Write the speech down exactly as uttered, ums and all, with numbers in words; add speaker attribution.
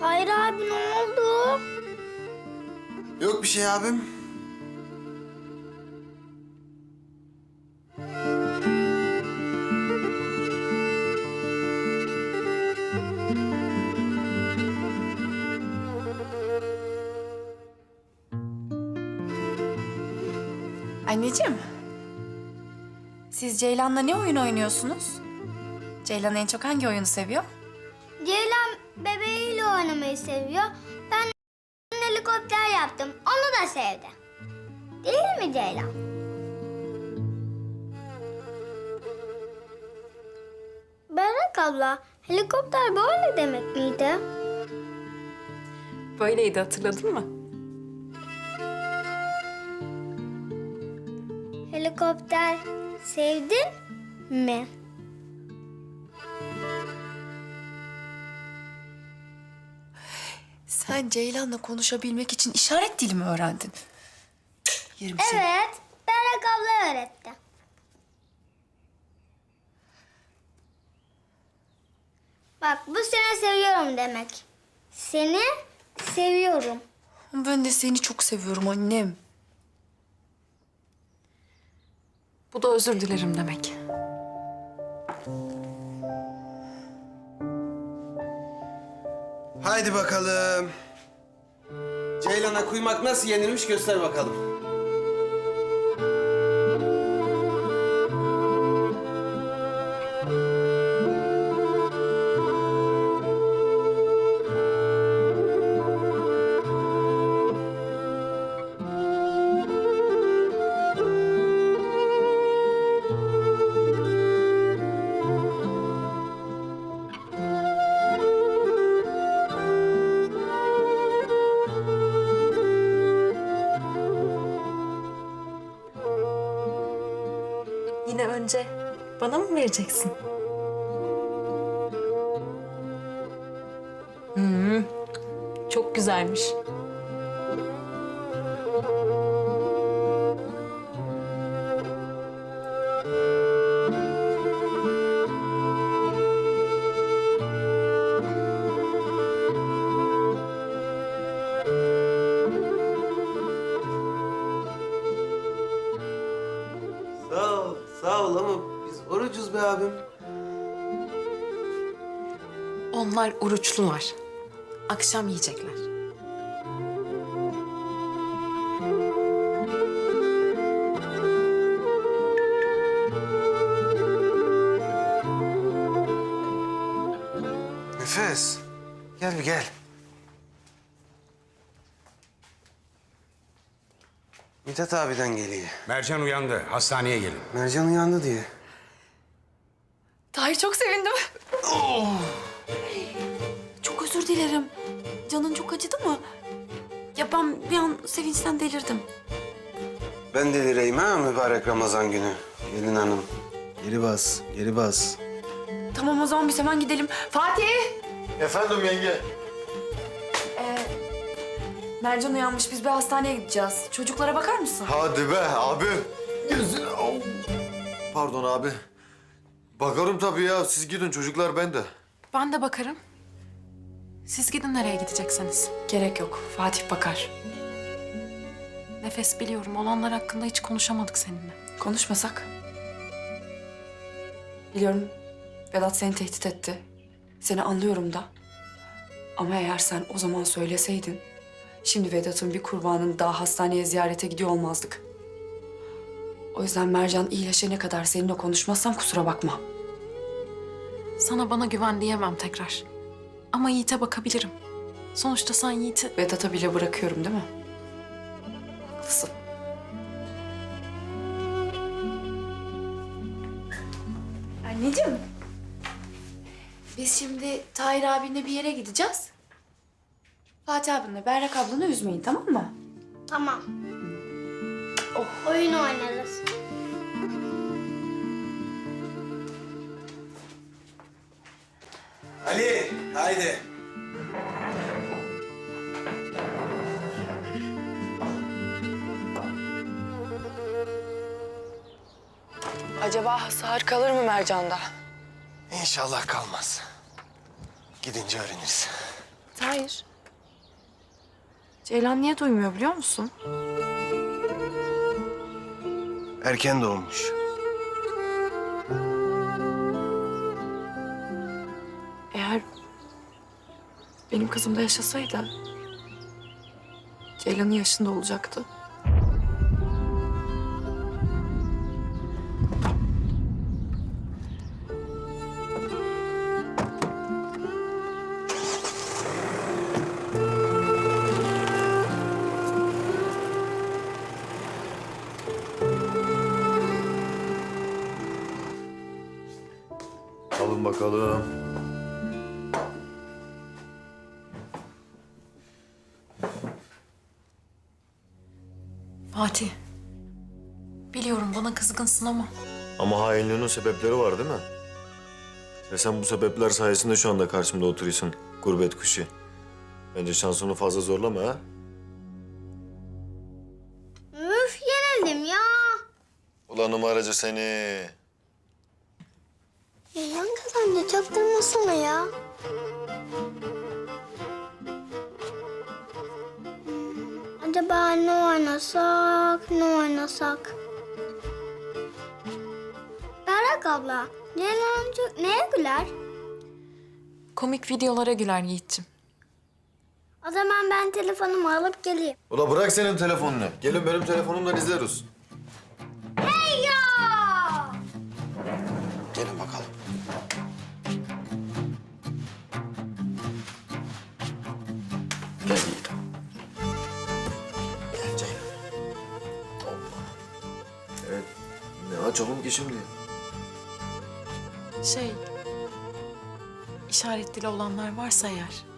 Speaker 1: Tahir abi ne oldu?
Speaker 2: Yok bir şey abim.
Speaker 3: Anneciğim, siz Ceylan'la ne oyun oynuyorsunuz? Ceylan en çok hangi oyunu seviyor?
Speaker 1: Ceylan bebeğiyle oynamayı seviyor. Ben helikopter yaptım. Onu da sevdi. Değil mi Ceylan? Berrak abla, helikopter böyle demek miydi?
Speaker 3: Böyleydi, hatırladın mı?
Speaker 1: Helikopter sevdin mi?
Speaker 3: Sen Ceylan'la konuşabilmek için işaret dili mi öğrendin? Yerim seni.
Speaker 1: Evet, Berrak abla öğretti. Bak bu seni seviyorum demek. Seni seviyorum.
Speaker 3: Ben de seni çok seviyorum annem. Bu da özür dilerim demek.
Speaker 2: Haydi bakalım. Ceylan'a kuymak nasıl yenilmiş göster bakalım.
Speaker 3: Yine önce bana mı vereceksin? Hmm, çok güzelmiş.
Speaker 2: Sağ ol, sağ ol ama biz orucuz be abim.
Speaker 4: Onlar oruçlular. Akşam yiyecekler.
Speaker 2: Nefes, gel bir gel. Mithat abiden geliyor.
Speaker 5: Mercan uyandı. Hastaneye gelin.
Speaker 2: Mercan uyandı diye.
Speaker 3: Tahir çok sevindim. Çok özür dilerim. Canın çok acıdı mı? Ya ben bir an sevinçten delirdim.
Speaker 2: Ben delireyim ha mübarek Ramazan günü. Gelin hanım. Geri bas, geri bas.
Speaker 3: Tamam o zaman biz hemen gidelim. Fatih!
Speaker 6: Efendim yenge.
Speaker 3: Ee, Mercan uyanmış. Biz bir hastaneye gideceğiz. Çocuklara bakar mısın?
Speaker 6: Hadi be abi. Gözüne. Au. Pardon abi. Bakarım tabii ya. Siz gidin çocuklar bende.
Speaker 4: Ben de bakarım. Siz gidin nereye gidecekseniz.
Speaker 3: Gerek yok. Fatih bakar.
Speaker 4: Nefes, biliyorum olanlar hakkında hiç konuşamadık seninle.
Speaker 3: Konuşmasak? Biliyorum Vedat seni tehdit etti. Seni anlıyorum da. Ama eğer sen o zaman söyleseydin... şimdi Vedat'ın bir kurbanını daha hastaneye ziyarete gidiyor olmazdık. O yüzden Mercan iyileşene kadar seninle konuşmazsam kusura bakma.
Speaker 4: Sana bana güven diyemem tekrar. Ama Yiğit'e bakabilirim. Sonuçta sen Yiğit'i...
Speaker 3: Vedat'a bile bırakıyorum değil mi? Haklısın. Anneciğim. Biz şimdi Tahir abinle bir yere gideceğiz. Fatih abinle Berrak ablanı üzmeyin, tamam mı?
Speaker 1: Tamam. Oh. Oyun oynarız.
Speaker 2: Ali, haydi.
Speaker 3: Acaba sağır kalır mı Mercan'da?
Speaker 2: İnşallah kalmaz. Gidince öğreniriz.
Speaker 3: Hayır. Ceylan niye duymuyor biliyor musun?
Speaker 2: Erken doğmuş.
Speaker 3: Eğer benim kızım da yaşasaydı Ceylan'ın yaşında olacaktı.
Speaker 6: Alın bakalım.
Speaker 4: Fatih. Biliyorum bana kızgınsın ama
Speaker 6: Ama hainliğinin sebepleri var değil mi? Ve sen bu sebepler sayesinde şu anda karşımda oturuyorsun gurbet kuşu. Bence şansını fazla zorlama ha.
Speaker 1: Üf yenildim ya.
Speaker 6: Ulan numaracı seni.
Speaker 1: Ceylan kazandı çaktırmasana ya. Hmm, acaba ne oynasak, ne oynasak? Berrak abla, Ceylan amca neye güler?
Speaker 4: komik videolara güler Yiğit'ciğim.
Speaker 1: O zaman ben telefonumu alıp geleyim.
Speaker 6: Ula bırak senin telefonunu. Gelin benim telefonumdan izleriz.
Speaker 1: Hey ya!
Speaker 2: Gelin bakalım.
Speaker 6: Gel Yiğit.
Speaker 2: Gel Ceylan.
Speaker 6: Evet. Ne açalım ki şimdi?
Speaker 4: Şey, işaret dili olanlar varsa eğer